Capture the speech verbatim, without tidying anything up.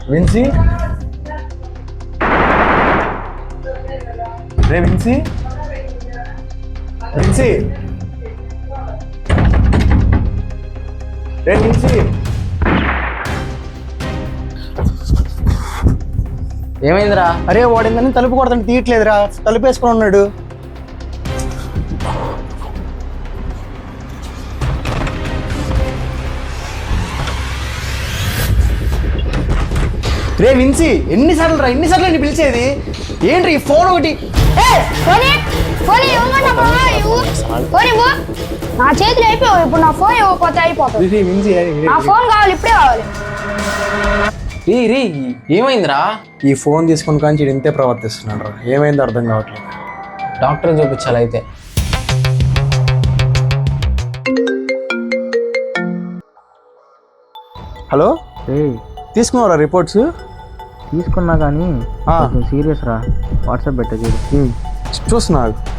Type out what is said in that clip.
విన్సీ రే విన్సీ విన్సీ రే విన్సీ ఏమైందిరా? అరే వాడిందని తలుపు కొడతాను తీయట్లేదురా, తలుపు వేసుకొని ఉన్నాడు. రే విన్సీ ఎన్నిసార్లు రా ఎన్నిసార్లు నీ పిలిచేది ఏంటి ఈ ఫోన్ ఒకటి నా చేతులు అయిపోయావు. ఇప్పుడు నా ఫోన్ ఇవ్వకపోతే అయిపోతుంది. విన్సీ నా ఫోన్ కావాలి, ఇప్పుడే కావాలి. రీ రీ ఏమైందిరా? ఈ ఫోన్ తీసుకుని కానీ వీడు ఇంతే ప్రవర్తిస్తున్నాడు రా, ఏమైందో అర్థం కావట్లేదు. డాక్టర్ చూపించాలి అయితే. హలో ఏయ్ తీసుకున్నారా రిపోర్ట్స్? తీసుకున్నా కానీ ఆ. సీరియస్ రా, వాట్సాప్ పెట్టే చూడు. చూస్తున్నా